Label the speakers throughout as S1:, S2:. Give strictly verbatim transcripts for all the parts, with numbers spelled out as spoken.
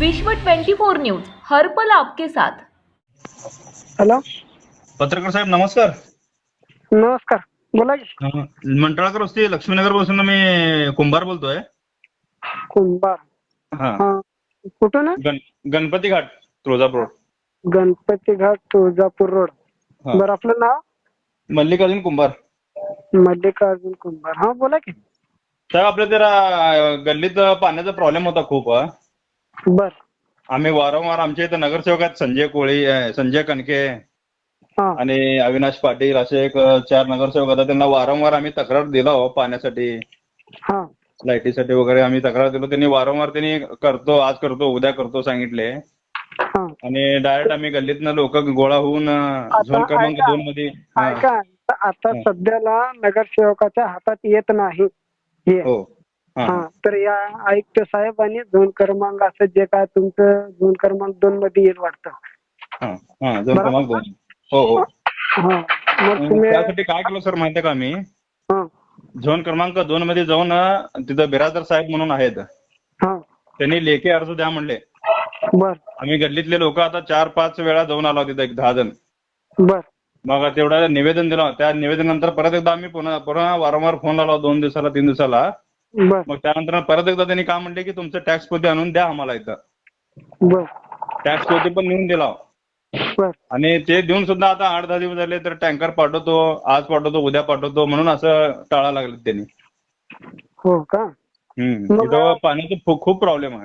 S1: विश्व चोवीस न्यूज हर पल आपके साथ।
S2: हॅलो,
S3: पत्रकार साहेब नमस्कार.
S2: नमस्कार, बोला की.
S3: अं, मंटाळकर वस्ती लक्ष्मीनगर पासून मी कुंभार बोलतोय.
S2: कुंभार.
S3: हा
S2: हा, कुठून आहे?
S3: गण गणपती घाट तुळजापूर.
S2: गणपती घाट तुळजापूर रोड.
S3: हा.
S2: बरं, आपलं नाव?
S3: मल्लिकार्जुन कुंभार.
S2: मल्लिकार्जुन कुंभार. हा, बोला की.
S3: साहेब आपल्या जरा अं, गल्लीत पाण्याचा प्रॉब्लेम होता खूप. हा.
S2: बर.
S3: आम्ही वारंवार आमच्या इथे नगरसेवक आहेत संजय कोळी, अं, संजय कणके
S2: हा
S3: आणि अविनाश पाटील असे एक अं, चार नगरसेवक होता. त्यांना वारंवार आम्ही तक्रार दिला हो पाण्यासाठी,
S2: हा
S3: लाईटीसाठी वगैरे आम्ही तक्रार दिलो. त्यांनी वारंवार त्यांनी करतो, आज करतो, उद्या करतो सांगितले.
S2: हा.
S3: आणि डायरेक्ट आम्ही गल्लीतनं लोक गोळा होऊन अं,
S2: आता
S3: झोन क्रमांक
S2: ऐका,
S3: दोन मध्ये. हा.
S2: ऐका, आता
S3: हा.
S2: सध्याला नगरसेवकाच्या हातात येत नाही हे.
S3: हो. हा,
S2: हा,
S3: हा.
S2: तर या आयुक्त साहेब आणि झोन क्रमांक असं जे काय तुमचं झोन क्रमांक दोन मध्ये येईल वाटतं.
S3: हा, हा, झोन
S2: बरोबर
S3: क्रमांक
S2: ना?
S3: दोन. हो, हो.
S2: हा, मग
S3: अं,
S2: तुम्ही.
S3: त्यासाठी काय केलं सर माहितीये का, आम्ही
S2: हा
S3: झोन क्रमांक दोन मध्ये जाऊन अं, तिथं बिराजदार साहेब म्हणून आहेत,
S2: हा.
S3: त्यांनी लेखी अर्ज द्या म्हणले.
S2: बर
S3: आम्ही गल्लीतले लोक आता चार पाच वेळा जाऊन आलो तिथं, एक दहा जण.
S2: बर
S3: मग तेवढं निवेदन दिलं. त्या निवेदनानंतर परत एकदा आम्ही पुन्हा पुन्हा वारंवार फोन लावला, दोन दिवसाला तीन दिवसाला.
S2: बर
S3: मग त्यानंतर परत एकदा त्यांनी काय म्हणले की तुमचं टॅक्स पोती आणून द्या आम्हाला इथं.
S2: बर
S3: टॅक्स पोती पण नेऊन दिला
S2: बर.
S3: आणि ते देऊन सुद्धा आता आठ दहा दिवस झाले तर टँकर पाठवतो, आज पाठवतो, उद्या पाठवतो म्हणून असं टाळा लागले त्यांनी.
S2: हो का?
S3: हम्म
S2: मग
S3: इथं पाण्याचा खूप खूप प्रॉब्लेम आहे.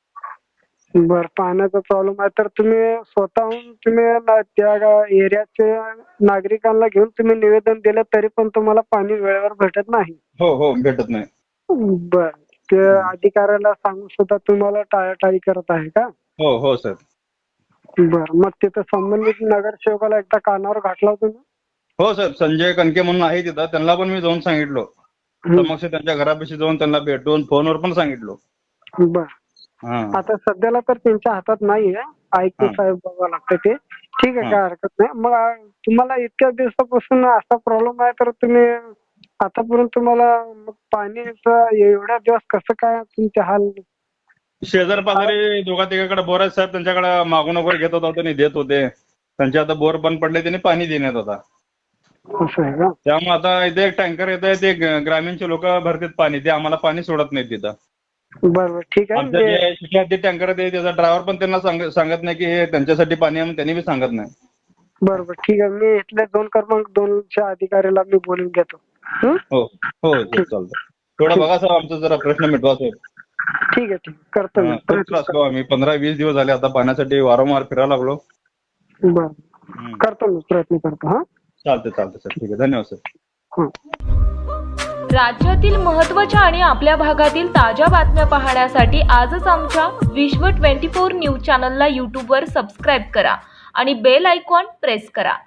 S2: बर, पाण्याचा प्रॉब्लेम आहे तर तुम्ही स्वतःहून तुम्ही ना- त्या एरियाचे नागरिकांना घेऊन तुम्ही निवेदन दिलं तरी पण तुम्हाला पाणी वेळेवर भेटत नाही.
S3: हो हो भेटत नाही.
S2: बर, ते अधिकाऱ्याला सांगून सुद्धा तुम्हाला टाळाटाळी करत आहे का?
S3: हो हो सर.
S2: बर, मग तिथं संबंधित नगरसेवकाला एकदा कानावर घातला तुम्ही?
S3: हो सर, संजय कणके म्हणून आहे तिथं, त्यांना पण मी जाऊन सांगितलो.
S2: हम्म.
S3: समक्ष त्यांच्या घरापाशी जाऊन त्यांना भेटून फोनवर पण सांगितलो.
S2: बर,
S3: हा
S2: आता सध्याला तर त्यांच्या हातात नाहीये, आयुक्त
S3: हा.
S2: साहेब बघावं लागतं ते. ठीक आहे,
S3: हा.
S2: काय हरकत नाही. मग आ- तुम्हाला इतक्या दिवसापासून असा प्रॉब्लेम आहे तर तुम्ही आतापर्यंत तुम्हाला मग पाणीचं एवढ्या दिवस कसं काय तुमचे हाल?
S3: शेजार पाजारी दोघा तिघाकडे बोर आहेत साहेब, त्यांच्याकडे मागून वगैरे घेत होता, त्यांनी देत होते. त्यांचे आता बोर बंद पडले, त्यांनी पाणी देण्यात होता.
S2: असं आहे का?
S3: त्यामुळे आता इथे एक टँकर येत आहे, ते ग- ग्रामीणचे लोक भरतात पाणी, ते आम्हाला पाणी सोडत नाहीत तिथं.
S2: बरं बरं, ठीक आहे.
S3: आमच्या
S2: म्हणजे
S3: जे शिक्षणाचे टँकर आहे त्याचा ड्रायव्हर पण त्यांना सांग- सांगत नाही की हे त्यांच्यासाठी पाणी आहे म्हणून त्यांनी बी सांगत नाही.
S2: बरं बरं, ठीक आहे. मी इथल्या दोन क्रमांक दोनच्या अधिकाऱ्याला मी बोलून घेतो. हं?
S3: हो हो सर, चालतं. थोडं बघा सर, आमचा जरा प्रश्न मिटवा साहेब.
S2: ठीक आहे, ठीक आहे. करतो मी
S3: हा, खूप
S2: प्रयत्न
S3: त्रास
S2: करतो.
S3: आम्ही पंधरा वीस दिवस झाले आता पाण्यासाठी वारंवार फिरायला लागलो.
S2: बरं,
S3: हम्म.
S2: करतो मी प्रयत्न करतो. हा,
S3: चालतं चालतं सर, ठीक आहे, धन्यवाद सर.
S2: हं.
S1: राज्यातील महत्त्वाच्या आणि आपल्या भागातील ताज्या बातम्या पाहण्यासाठी आजच आमच्या विश्व चोवीस न्यूज चॅनलला यूट्यूबवर सबस्क्राईब करा आणि बेल आयकॉन प्रेस करा.